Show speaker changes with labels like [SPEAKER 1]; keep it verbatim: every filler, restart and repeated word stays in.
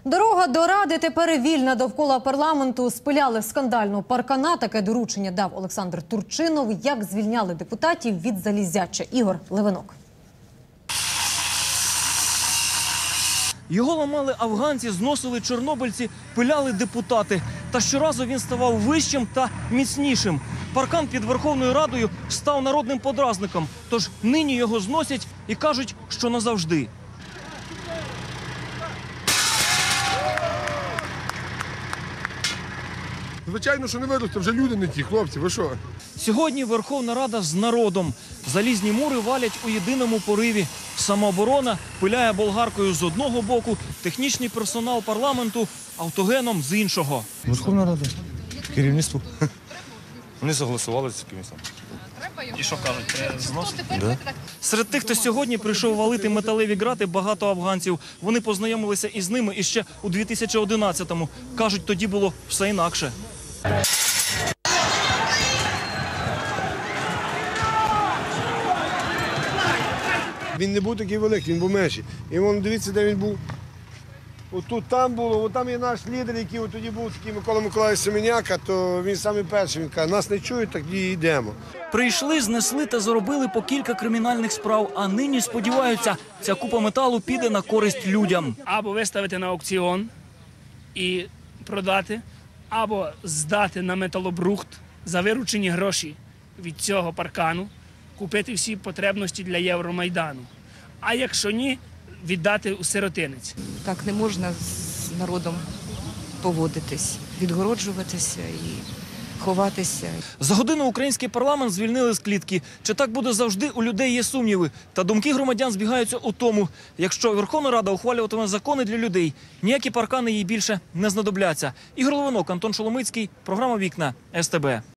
[SPEAKER 1] Дорога до Ради тепер вільна. Довкола парламенту спиляли скандальну паркана. Таке доручення дав Олександр Турчинов. Як звільняли депутатів від залізяча. Ігор Левинок.
[SPEAKER 2] Його ламали афганці, зносили чорнобильці, пиляли депутати. Та щоразу він ставав вищим та міцнішим. Паркан під Верховною Радою став народним подразником. Тож нині його зносять і кажуть, що назавжди.
[SPEAKER 3] Звичайно, що не виросте, вже люди не ті, хлопці, ви що?
[SPEAKER 2] Сьогодні Верховна Рада з народом. Залізні мури валять у єдиному пориві. Самооборона пиляє болгаркою з одного боку, технічний персонал парламенту автогеном з іншого.
[SPEAKER 4] Верховна Рада, керівництво. Вони согласували з кимось.
[SPEAKER 2] І що кажуть, треба зносити? Да. Серед тих, хто сьогодні прийшов валити металеві грати, багато афганців. Вони познайомилися із ними іще у дві тисячі одинадцятому. Кажуть, тоді було все інакше.
[SPEAKER 3] Він не був такий великий, він був менший. І вон, дивіться, де він був. Отут там було, от там є наш лідер, який от тоді був такий Микола Миколаївич Семеняка, то він самий перший, він каже, нас не чують, так і йдемо.
[SPEAKER 2] Прийшли, знесли та заробили по кілька кримінальних справ, а нині сподіваються, ця купа металу піде на користь людям.
[SPEAKER 5] Або виставити на аукціон і продати, або здати на металобрухт за виручені гроші від цього паркану, купити всі потребності для Євромайдану. А якщо ні, віддати у сиротинець.
[SPEAKER 6] Так не можна з народом поводитись, відгороджуватися і ховатися.
[SPEAKER 2] За годину український парламент звільнили з клітки. Чи так буде завжди, у людей є сумніви. Та думки громадян збігаються у тому, якщо Верховна Рада ухвалюватиме закони для людей, ніякі паркани їй більше не знадобляться. Ігор Левинок, Антон Шоломицький, програма «Вікна», ес те бе.